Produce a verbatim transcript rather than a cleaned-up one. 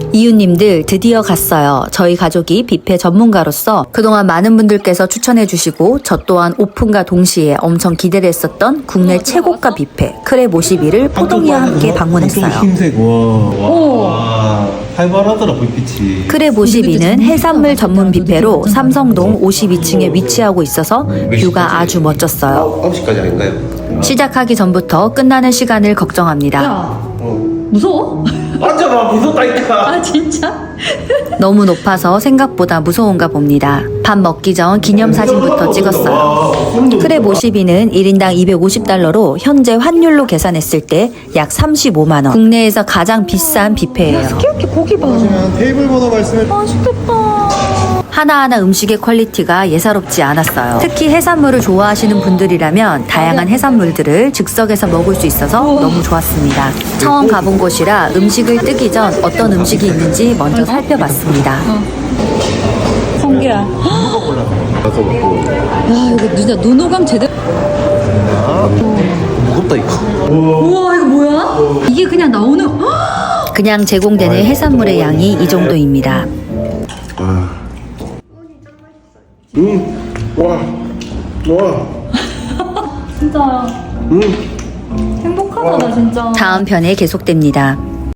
이웃님들 드디어 갔어요. 저희 가족이 뷔페 전문가로서 그동안 많은 분들께서 추천해주시고 저 또한 오픈과 동시에 엄청 기대를 했었던 국내 최고가 뷔페 크랩 오십이를 포동이와 함께 방문했어요. 흰색 와, 와 활발하더라 불빛이. 크랩 오십이는 해산물 전문 뷔페로 삼성동 오십이 층에 위치하고 있어서 뷰가 아주 멋졌어요. 아홉 시까지 아닌가요? 시작하기 전부터 끝나는 시간을 걱정합니다. 야, 무서워? 앉아봐 무섭다니까. 아 진짜? 너무 높아서 생각보다 무서운가 봅니다. 밥 먹기 전 기념사진부터 찍었어요. 크랩 오십이는 일 인당 이백오십 달러로 현재 환율로 계산했을 때 약 삼십오만 원. 국내에서 가장 비싼 뷔페예요. 이렇게 고기 봐. 테이블 번호 말씀해. 맛있겠다. 하나하나 음식의 퀄리티가 예사롭지 않았어요. 특히 해산물을 좋아하시는 분들이라면 다양한 해산물들을 즉석에서 먹을 수 있어서 너무 좋았습니다. 처음 가본 곳이라 음식을 뜨기 전 어떤 음식이 있는지 먼저 살펴봤습니다. 성게야. 가서 먹고. 야 이거 진짜 눈호강 제대로. 무겁다 이거. 우와 이거 뭐야? 이게 그냥 나오는. 그냥 제공되는 해산물의 양이 이 정도입니다. 음, 와, 와. 진짜 음. 행복하다 나 진짜. 다음 편에 계속됩니다.